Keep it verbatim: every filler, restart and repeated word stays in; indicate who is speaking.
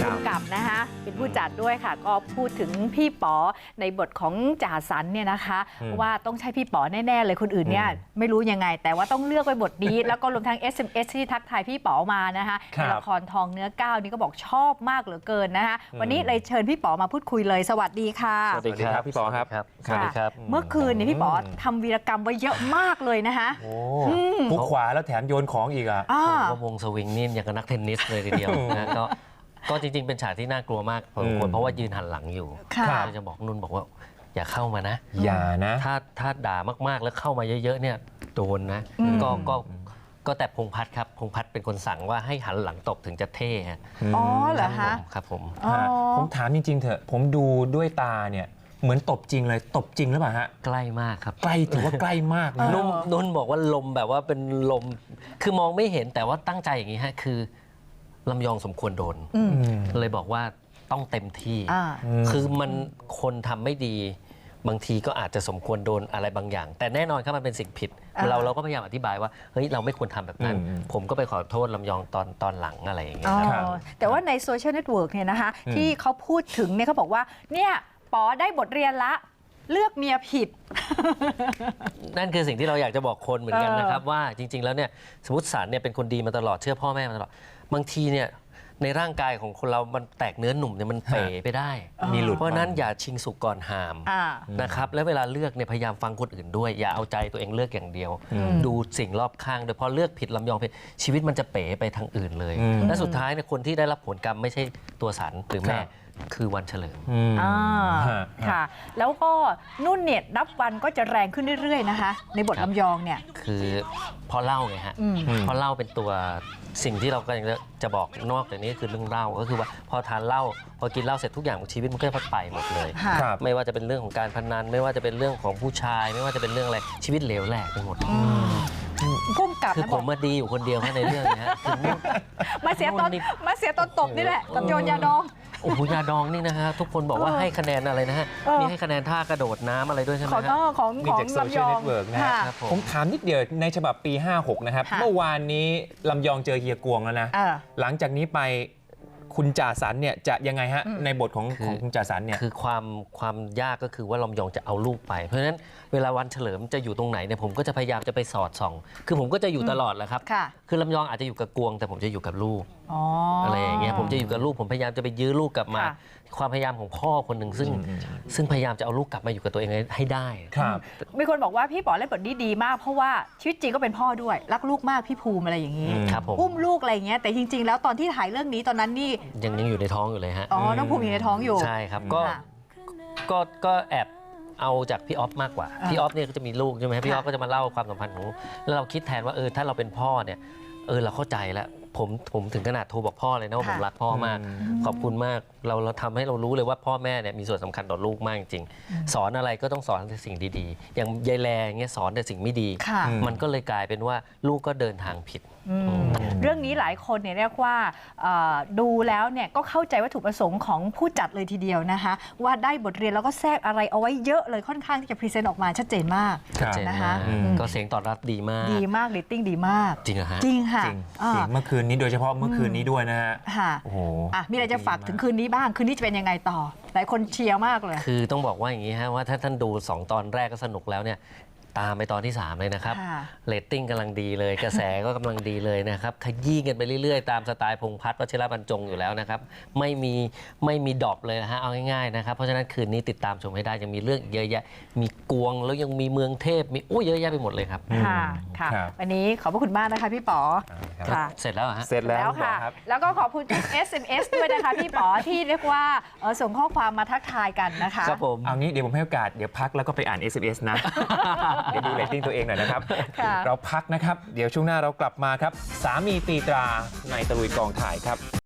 Speaker 1: ผู้กำกับนะคะเป็นผู้จัดด้วยค่ะก็พูดถึงพี่ป๋อในบทของจ่าสันเนี่ยนะคะว่าต้องใช่พี่ป๋อแน่ๆเลยคนอื่นเนี่ยไม่รู้ยังไงแต่ว่าต้องเลือกไปบทนี้ แล้วก็รวมทั้ง เอส เอ็ม เอส ที่ทักทายพี่ป๋อมานะคะในละครทองเนื้อก้าวนี่ก็บอกชอบมากเหลือเกินนะคะวันนี้เลยเชิญพี่ป๋อมาพูดคุยเลยสวัสดีค่ะ
Speaker 2: สวัสดีครับพี่ป๋อครับ
Speaker 1: สวัสดีครับเมื่อคืนนี้พี่ป๋อทำวีรกรรมไว้เยอะมากเลยนะคะ
Speaker 2: พุกขวาแล้วแถมโยนของอีกอ่ะ
Speaker 3: ก็วงสวิงนี่อย่างกับนักเทนนิสเลยทีเดียวนะก็ก็จริงๆเป็นฉากที่น่ากลัวมากพอสมควรเพราะว่ายืนหันหลังอยู่จะบอกนุ่นบอกว่าอย่าเข้ามานะ
Speaker 2: อย่านะ
Speaker 3: ถ้าถ้าด่ามากๆแล้วเข้ามาเยอะๆเนี่ยโดนนะก็ก็ก็แต่พงพัฒน์ครับพงพัฒน์เป็นคนสั่งว่าให้หันหลังตบถึงจะเท่ฮะ
Speaker 1: อ๋อเหรอคะ
Speaker 3: ครับผม
Speaker 2: ผมถามจริงๆเถอะผมดูด้วยตาเนี่ยเหมือนตบจริงเลยตบจริงหรือเปล่าฮะ
Speaker 3: ใกล้มากครับ
Speaker 2: ใกล้ถือว่าใกล้มากนะ
Speaker 3: นุ่นนุ่นบอกว่าลมแบบว่าเป็นลมคือมองไม่เห็นแต่ว่าตั้งใจอย่างนี้ฮะคือลำยองสมควรโดนเลยบอกว่าต้องเต็มที่คือมันคนทำไม่ดีบางทีก็อาจจะสมควรโดนอะไรบางอย่างแต่แน่นอนครับมันเป็นสิ่งผิดเราเราก็พยายามอธิบายว่าเฮ้ยเราไม่ควรทำแบบนั้นผมก็ไปขอโทษลำยองตอนตอนหลังอะไรอย่างเงี้ย
Speaker 1: แต่ว่าในโซเชียลเน็ตเวิร์กเนี่ยนะคะที่เขาพูดถึงเนี่ยเขาบอกว่าเนี่ยป๋อได้บทเรียนละเลือกเมียผิด
Speaker 3: นั่นคือสิ่งที่เราอยากจะบอกคนเหมือนกันนะครับว่าจริงๆแล้วเนี่ยสมมติสารเนี่ยเป็นคนดีมาตลอดเชื่อพ่อแม่มาตลอดบางทีเนี่ยในร่างกายของคนเรามันแตกเนื้อหนุ่มเนี่ยมันเป๋ไปได้
Speaker 2: มีหลุด
Speaker 3: เพราะนั้นอย่าชิงสุกก่อนหามนะครับและเวลาเลือกเนี่ยพยายามฟังคนอื่นด้วยอย่าเอาใจตัวเองเลือกอย่างเดียวดูสิ่งรอบข้างโดยพอเลือกผิดลำยองผิดชีวิตมันจะเป๋ไปทางอื่นเลยและสุดท้ายเนี่ยคนที่ได้รับผลกรรมไม่ใช่ตัวสันหรือแม่คือวันเฉลิม
Speaker 1: อ่าค่ะแล้วก็นุ่นเนี่ยนับวันก็จะแรงขึ้นเรื่อยๆนะคะในบทลำยองเนี่ย
Speaker 3: คือพอเล่าไงฮะพอเล่าเป็นตัวสิ่งที่เรากำลังจะบอกนอกจากนี้คือเรื่องเล่าก็คือว่าพอทานเหล้าพอกินเหล้าเสร็จทุกอย่างของชีวิตมันก็จะพัดไปหมดเลยไม่ว่าจะเป็นเรื่องของการพนันไม่ว่าจะเป็นเรื่องของผู้ชายไม่ว่าจะเป็นเรื่องอะไรชีวิตเหลวแหลกไปหมด
Speaker 1: พุ่มกับ
Speaker 3: คือผมมาดีอยู่คนเดียวแค่ในเรื่องนี้ฮะ
Speaker 1: มาเสียตอนมาเสียตอนตบนี่แหละกับโยนยาดอง
Speaker 3: โอ้โหยาดองนี่นะฮะทุกคนบอกว่าให้คะแนนอะไรนะฮะมีให้คะแนนท่ากระโดดน้ำอะไรด้วยใช่ไหม
Speaker 1: ครับของของ
Speaker 2: ลำยองนะครับผมถามนิดเดียวในฉบับปีห้าหกนะครับเมื่อวานนี้ลำยองเจอเฮียกวงแล้วนะหลังจากนี้ไปคุณจ่าสันเนี่ยจะยังไงฮะในบทของของคุณจ่าสันเนี่ย
Speaker 3: คือความความยากก็คือว่าลำยองจะเอาลูกไปเพราะฉะนั้นเวลาวันเฉลิมจะอยู่ตรงไหนเนี่ยผมก็จะพยายามจะไปสอดส่องคือผมก็จะอยู่ตลอดแหละครับคือลำยองอาจจะอยู่กับกวงแต่ผมจะอยู่กับลูกอะไรอย่างเงี้ยผมจะอยู่กับลูกผมพยายามจะไปยื้อลูกกลับมาความพยายามของพ่อคนหนึ่งซึ่งซึ่งพยายามจะเอาลูกกลับมาอยู่กับตัวเองให้ได้
Speaker 2: ครับ
Speaker 1: มีคนบอกว่าพี่ป๋อเล่นบทนี้ดีมากเพราะว่าชีวิตจริงก็เป็นพ่อด้วยรักลูกมากพี่ภูมิอะไรอย่างนี้อุ้มลูกอะไรอย่างเงี้ยแต่จริงๆแล้วตอนที่ถ่ายเรื่องนี้ตอนนั้นนี่
Speaker 3: ยังยังอยู่ในท้องอยู่เลยฮะ
Speaker 1: อ๋อน้องภูมิอยู่ในท้องอยู่
Speaker 3: ใช่ครับก็ก็ก็แอบเอาจากพี่ออฟมากกว่าพี่ออฟเนี่ยก็จะมีลูกใช่ไหมพี่ออฟก็จะมาเล่าความสัมพันธ์ของแล้วเราคิดแทนว่าเออถ้าเราเป็นพ่อเนี่ยเออเราเข้าใจแล้วผมผมถึงขนาดโทรบอกพ่อเลยนะว่าผมรักพ่อมากขอบคุณมากเราเราทำให้เรารู้เลยว่าพ่อแม่เนี่ยมีส่วนสำคัญต่อลูกมากจริงสอนอะไรก็ต้องสอนแต่สิ่งดีๆอย่างยายแลเงี้ยสอนแต่สิ่งไม่ดีมันก็เลยกลายเป็นว่าลูกก็เดินทางผิด
Speaker 1: เรื่องนี้หลายคนเนี่ยเรียกว่าดูแล้วเนี่ยก็เข้าใจวัตถุประสงค์ของผู้จัดเลยทีเดียวนะคะว่าได้บทเรียนแล้วก็แทรกอะไรเอาไว้เยอะเลยค่อนข้างที่จะพรีเซนต์ออกมาชัดเจนมาก
Speaker 3: นะคะก็เสียงตอบรับดีมาก
Speaker 1: ดีมากเรตติ้งดีมาก
Speaker 3: จริงเหรอฮะ
Speaker 1: จริงค่ะ
Speaker 2: เมื่อคืนนี้โดยเฉพาะเมื่อคืนนี้ด้วยนะฮะ
Speaker 1: โอ้โหมีอะไรจะฝากถึงคืนนี้บ้างคืนนี้จะเป็นยังไงต่อหลายคนเชียร์มากเลย
Speaker 3: คือต้องบอกว่าอย่างนี้ฮะว่าถ้าท่านดูสองตอนแรกก็สนุกแล้วเนี่ยตามไปตอนที่สามเลยนะครับเรตติ้งกำลังดีเลยกระแสก็กำลังดีเลยนะครับขยี้กันไปเรื่อยๆตามสไตล์พงษ์พัฒน์วชิรบรรจงอยู่แล้วนะครับไม่มีไม่มีดรอปเลยนะฮะเอาง่ายๆนะครับเพราะฉะนั้นคืนนี้ติดตามชมให้ได้ยังมีเรื่องเยอะแยะมีกวงแล้วยังมีเมืองเทพมีโอ้เยอะแยะไปหมดเลยครับ
Speaker 1: ค่ะค่ะวันนี้ขอบพระคุณมากนะคะพี่ป๋อ
Speaker 3: ค่ะเสร็จแล้วฮะ
Speaker 2: เสร็จแล้ว
Speaker 1: ค่ะแล้วก็ขอบคุณ เอส เอ็ม เอส ด้วยนะคะพี่ป๋อที่เรียกว่าส่งข้อความมาทักทายกันนะคะ
Speaker 3: ครับผม
Speaker 2: เอางี้เดี๋ยวผมให้โอกาสเดี๋ยวพักแล้วก็ไปอ่าน เอส เอ็ม เอส นะเดี๋ยวดูเรตติ้งตัวเองหน่อยนะครับเราพักนะครับเดี๋ยวช่วงหน้าเรากลับมาครับสามีตีตราในตะลุยกองถ่ายครับ